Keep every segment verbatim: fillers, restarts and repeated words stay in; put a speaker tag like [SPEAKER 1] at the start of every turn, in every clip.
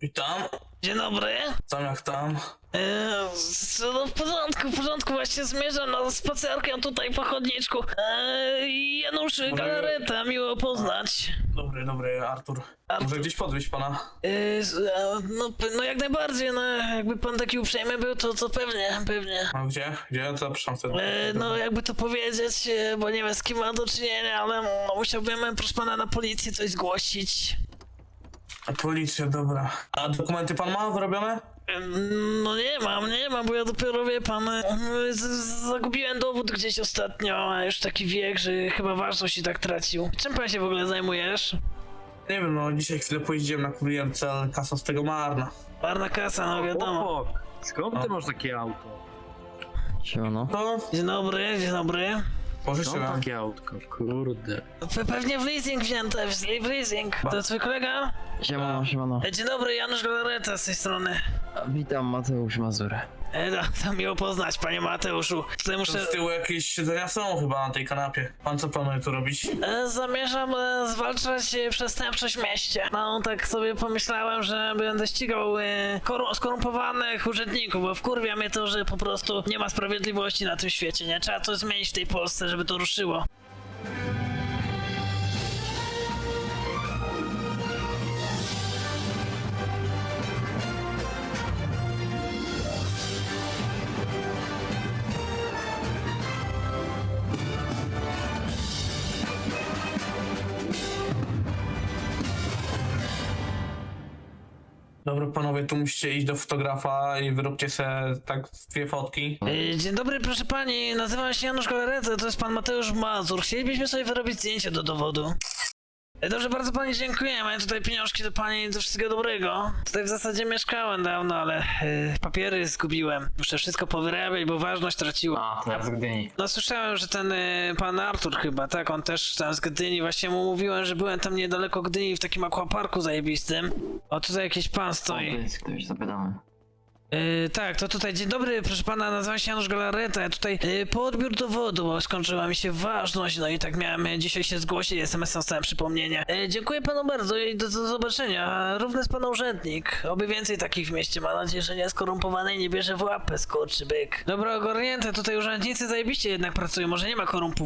[SPEAKER 1] Witam.
[SPEAKER 2] Dzień dobry.
[SPEAKER 1] Tam jak tam?
[SPEAKER 2] Eee, no w porządku, w porządku, właśnie zmierzam na spacerkę tutaj po chodniczku. Eee, Janusz Galareta, miło poznać.
[SPEAKER 1] Dobry, dobry, Artur.
[SPEAKER 2] Artur.
[SPEAKER 1] Może gdzieś podwieźć pana?
[SPEAKER 2] Eee, no, no jak najbardziej, no jakby pan taki uprzejmy był, to, to pewnie, pewnie.
[SPEAKER 1] A gdzie? Gdzie? Zapraszam wtedy.
[SPEAKER 2] Eee, no jakby to powiedzieć, e, bo nie wiem z kim mam do czynienia, ale no, musiałbym, proszę pana, na policję coś zgłosić.
[SPEAKER 1] Policja, dobra. A dokumenty pan ma wyrobione?
[SPEAKER 2] No nie mam, nie mam, bo ja dopiero, wie pan, z- z- zagubiłem dowód gdzieś ostatnio, a już taki wiek, że chyba ważność i tak tracił. Czym pan się w ogóle zajmujesz?
[SPEAKER 1] Nie wiem, no dzisiaj chwilę pojeździłem na kurierce, ale kasa z tego marna.
[SPEAKER 2] Marna kasa, no wiadomo.
[SPEAKER 3] Chłop, skąd ty masz takie auto?
[SPEAKER 4] Siemano.
[SPEAKER 1] To
[SPEAKER 2] Dzień dobry, dzień dobry.
[SPEAKER 3] Skąd
[SPEAKER 1] pożyczyłem.
[SPEAKER 3] takie autko? Kurde.
[SPEAKER 2] Pe pewnie w leasing wzięte, w w leasing. To jest twój kolega?
[SPEAKER 4] Siemano, siemano.
[SPEAKER 2] E, Dzień dobry, Janusz Galareta z tej strony.
[SPEAKER 4] Witam, Mateusz Mazur.
[SPEAKER 2] E, no, to miło poznać, panie Mateuszu. Tutaj
[SPEAKER 1] To
[SPEAKER 2] muszę...
[SPEAKER 1] z tyłu jakieś siedzenia są chyba na tej kanapie. Pan co planuje tu robić?
[SPEAKER 2] E, Zamierzam e, zwalczać e, przestępczość w mieście. No tak sobie pomyślałem, że będę ścigał e, koru- skorumpowanych urzędników, bo wkurwia mnie to, że po prostu nie ma sprawiedliwości na tym świecie, nie? Trzeba coś zmienić w tej Polsce, żeby to ruszyło.
[SPEAKER 1] Dobra panowie, tu musicie iść do fotografa i wyróbcie sobie tak dwie fotki.
[SPEAKER 2] E, Dzień dobry, proszę pani, nazywam się Janusz Galareta, to jest pan Mateusz Mazur. Chcielibyśmy sobie wyrobić zdjęcie do dowodu. E, Dobrze, bardzo pani dziękujemy. Tutaj pieniążki do pani, do wszystkiego dobrego. Tutaj w zasadzie mieszkałem dawno, ale e, papiery zgubiłem. Muszę wszystko powyrabiać, bo ważność traciła.
[SPEAKER 4] A, to ja z Gdyni.
[SPEAKER 2] No słyszałem, że ten y, pan Artur chyba, tak, on też tam z Gdyni, właśnie mu mówiłem, że byłem tam niedaleko Gdyni w takim aquaparku zajebistym. O, tutaj jakiś pan stoi.
[SPEAKER 4] jest ktoś, zapytamy.
[SPEAKER 2] Y, tak, to tutaj, dzień dobry, proszę pana, nazywam się Janusz Galareta, ja tutaj y, po odbiór dowodu, bo skończyła mi się ważność, no i tak miałem y, dzisiaj się zgłosić, es em es dostałem przypomnienie. Y, dziękuję panu bardzo i do, do zobaczenia, równy jest pan urzędnik, oby więcej takich w mieście, mam nadzieję, że nie skorumpowany i nie bierze w łapę, skurczybyk. Dobra, ogarnięte, tutaj urzędnicy zajebiście jednak pracują, może nie ma korumpów.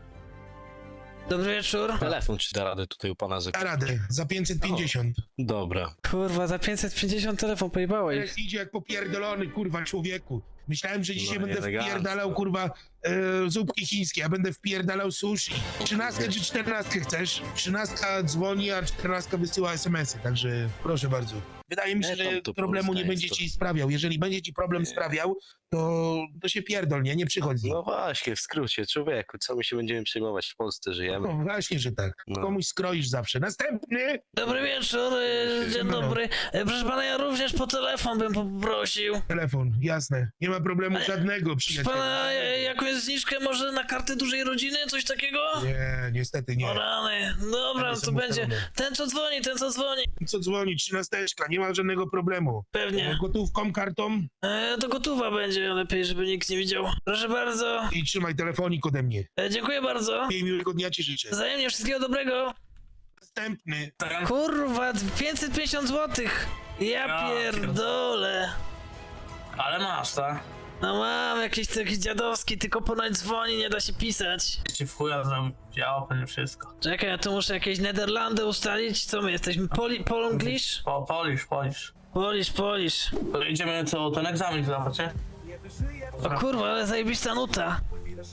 [SPEAKER 2] Dobry wieczór.
[SPEAKER 5] Telefon czy da radę tutaj u pana za...
[SPEAKER 6] Da radę, za pięćset pięćdziesiąt.
[SPEAKER 5] Dobra.
[SPEAKER 2] Kurwa, za pięćset pięćdziesiąt telefon pojebało ich.
[SPEAKER 6] Teraz idzie jak popierdolony, kurwa, człowieku. Myślałem, że dzisiaj
[SPEAKER 5] No,
[SPEAKER 6] będę
[SPEAKER 5] elegancko.
[SPEAKER 6] wpierdalał, kurwa, e, zupki chińskie, a będę wpierdalał sushi. Trzynastkę czy czternastkę chcesz? Trzynastka dzwoni, a czternastka wysyła es em esy, także proszę bardzo. Wydaje mi się,
[SPEAKER 5] Nie, tam
[SPEAKER 6] że
[SPEAKER 5] to
[SPEAKER 6] problemu
[SPEAKER 5] Polska
[SPEAKER 6] nie
[SPEAKER 5] jest
[SPEAKER 6] będzie
[SPEAKER 5] to-
[SPEAKER 6] ci sprawiał. Jeżeli będzie ci problem
[SPEAKER 5] Nie.
[SPEAKER 6] sprawiał, to, to się pierdol, nie? Nie przychodź z nim.
[SPEAKER 5] No właśnie, w skrócie, człowieku, co my się będziemy przejmować, w Polsce żyjemy.
[SPEAKER 6] No właśnie, że tak.
[SPEAKER 5] No.
[SPEAKER 6] Komuś skroisz zawsze. Następny!
[SPEAKER 2] Dobry wieczór, e, dzień
[SPEAKER 6] Siemano.
[SPEAKER 2] dobry. E, Proszę pana, ja również po telefon bym poprosił.
[SPEAKER 6] Telefon, jasne. Nie ma problemu
[SPEAKER 2] Ale-
[SPEAKER 6] żadnego,
[SPEAKER 2] Proszę
[SPEAKER 6] przyjacielu.
[SPEAKER 2] pana, e, jakąś zniżkę może na kartę dużej rodziny, coś takiego?
[SPEAKER 6] Nie, niestety nie.
[SPEAKER 2] O rany, dobra,
[SPEAKER 6] Ale
[SPEAKER 2] to
[SPEAKER 6] są
[SPEAKER 2] będzie.
[SPEAKER 6] ustalone.
[SPEAKER 2] Ten co dzwoni, ten co dzwoni.
[SPEAKER 6] Co dzwoni, trzynasteczka, nie ma żadnego problemu.
[SPEAKER 2] Pewnie.
[SPEAKER 6] Gotówką, kartą
[SPEAKER 2] E, to gotowa będzie, lepiej, żeby nikt nie widział. Proszę bardzo.
[SPEAKER 6] i trzymaj telefonik ode mnie.
[SPEAKER 2] E, dziękuję bardzo.
[SPEAKER 6] I miłego dnia ci życzę.
[SPEAKER 2] Wzajemnie wszystkiego dobrego.
[SPEAKER 6] Następny.
[SPEAKER 1] Ten?
[SPEAKER 2] Kurwa, pięćset pięćdziesiąt złotych. Ja
[SPEAKER 1] Ja
[SPEAKER 2] pierdolę.
[SPEAKER 1] Ale masz, tak?
[SPEAKER 2] No mam jakiś taki dziadowski, tylko ponoć dzwoni, nie da się pisać.
[SPEAKER 1] Ci w chuja zrobił, działa pewnie wszystko.
[SPEAKER 2] Czekaj, ja tu muszę jakieś Nederlandy ustalić. Co my jesteśmy? Poli Polonglish?
[SPEAKER 1] Po, polisz, polisz.
[SPEAKER 2] Polish, Polish.
[SPEAKER 1] To idziemy co, ten egzamin zdawać, nie?
[SPEAKER 2] O kurwa, ale zajebista nuta.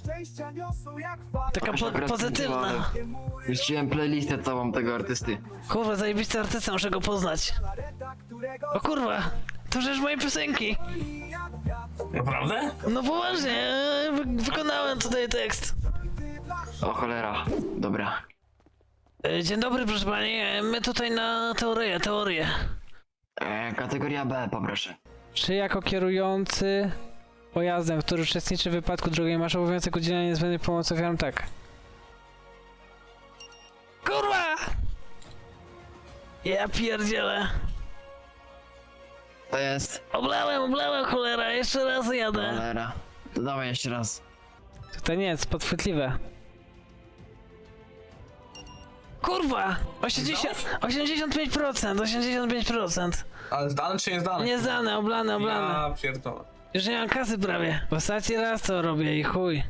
[SPEAKER 2] Taka po pozytywna.
[SPEAKER 4] Puściłem playlistę całą tego artysty.
[SPEAKER 2] Kurwa, zajebisty artysta, muszę go poznać. O kurwa, to przecież moje piosenki.
[SPEAKER 1] Naprawdę?
[SPEAKER 2] No poważnie, e, wy wykonałem tutaj tekst.
[SPEAKER 4] O cholera. Dobra.
[SPEAKER 2] E, Dzień dobry, proszę pani. E, My tutaj na teorię, teorię.
[SPEAKER 4] E, kategoria B, poproszę.
[SPEAKER 7] Czy jako kierujący pojazdem, który uczestniczy w wypadku drogowej, masz obowiązek udzielenia niezbędnej pomocy ofiarom? Tak.
[SPEAKER 2] Kurwa! Ja pierdzielę.
[SPEAKER 4] To jest.
[SPEAKER 2] Oblałem, oblałem, cholera, jeszcze raz jadę.
[SPEAKER 4] Cholera. To dawaj jeszcze raz.
[SPEAKER 7] To nie jest podchwytliwe.
[SPEAKER 2] Kurwa! osiemdziesiąt, osiemdziesiąt pięć procent, osiemdziesiąt pięć procent.
[SPEAKER 1] Ale zdane czy nie zdane?
[SPEAKER 2] Nie zdane, oblane, oblane.
[SPEAKER 1] Ja pierdolę.
[SPEAKER 2] Już nie mam kasy prawie. W ostatni raz to robię i chuj.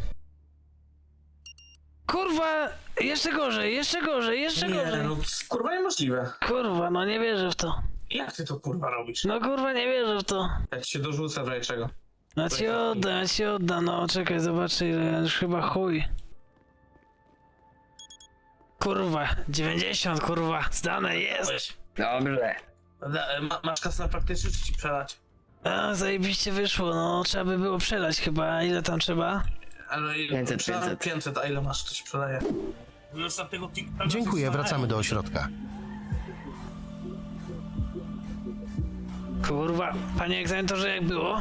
[SPEAKER 2] Kurwa! Jeszcze gorzej, jeszcze gorzej, jeszcze
[SPEAKER 1] Nie,
[SPEAKER 2] gorzej.
[SPEAKER 1] no kurwa niemożliwe.
[SPEAKER 2] Kurwa, no nie wierzę w to.
[SPEAKER 1] Jak ty to kurwa robisz?
[SPEAKER 2] No kurwa, nie wierzę w to.
[SPEAKER 1] Ja ci się dorzucę w razie czego.
[SPEAKER 2] No ci odda, ja ci odda, no czekaj, zobaczę ile, już chyba chuj. Kurwa, dziewięćdziesiąt, kurwa, zdane jest.
[SPEAKER 4] Dobrze.
[SPEAKER 1] Da, ma, masz kasę na praktyczny czy ci przelać?
[SPEAKER 2] A, zajebiście wyszło, no trzeba by było przelać chyba, ile tam trzeba?
[SPEAKER 1] Ale ile?
[SPEAKER 4] pięćset,
[SPEAKER 1] Przelam
[SPEAKER 4] pięćset.
[SPEAKER 1] pięćset, a ile masz, to ci przeleję.
[SPEAKER 8] Dziękuję, wracamy do ośrodka.
[SPEAKER 2] Kurwa, panie egzaminatorze, jak było?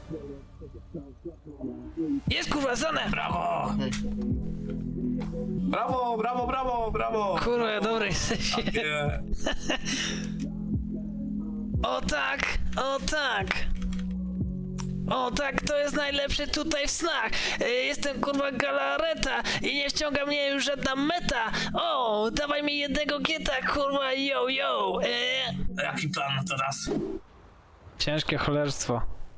[SPEAKER 2] Jest kurwa, zdane!
[SPEAKER 1] Brawo! Brawo, brawo, brawo, brawo!
[SPEAKER 2] Kurwa, dobry jesteś.
[SPEAKER 1] Nie.
[SPEAKER 2] O tak, o tak. O tak, to jest najlepszy tutaj w snach. E, Jestem kurwa galareta i nie wciąga mnie już żadna meta. O, dawaj mi jednego gieta, kurwa, yo, yo. E...
[SPEAKER 1] Jaki plan na teraz?
[SPEAKER 7] Ciężkie cholerstwo.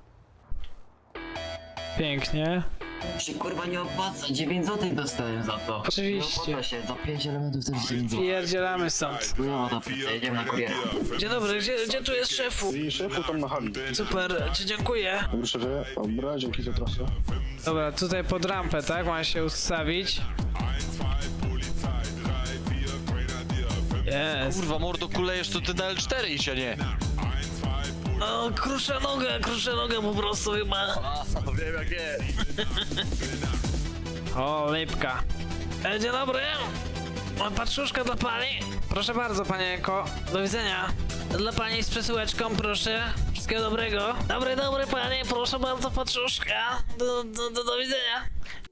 [SPEAKER 7] Pięknie.
[SPEAKER 4] Się kurwa nie opłaca, dziewięć złotych dostałem za to.
[SPEAKER 7] Oczywiście.
[SPEAKER 4] Nie opłaca się, za pięć elementów to jest dziewięć złotych.
[SPEAKER 7] Pierdzielamy stąd.
[SPEAKER 4] No to jedziemy na kuriera.
[SPEAKER 2] Dzień dobry, gdzie, gdzie tu jest szefu?
[SPEAKER 9] I szefu tam na hali.
[SPEAKER 2] Super, ci dziękuję.
[SPEAKER 9] Dobry szefie, dobra, dzięki za trasę.
[SPEAKER 7] Dobra, tutaj pod rampę, tak? Ma się ustawić. Jest.
[SPEAKER 10] Kurwa, mordo, kulejesz to ty na L cztery iść, a nie.
[SPEAKER 2] O, krusza noga, krusza noga po prostu chyba.
[SPEAKER 10] A, wiem jak jest.
[SPEAKER 7] O, lipka.
[SPEAKER 2] E, Dzień dobry. O, Paczuszka dla pani.
[SPEAKER 7] Proszę bardzo, panienko.
[SPEAKER 2] Do widzenia. Dla pani z przesyłeczką, proszę. Wszystkiego dobrego. Dobry, dobry panie, proszę bardzo, paczuszka. Do, do, do, do widzenia.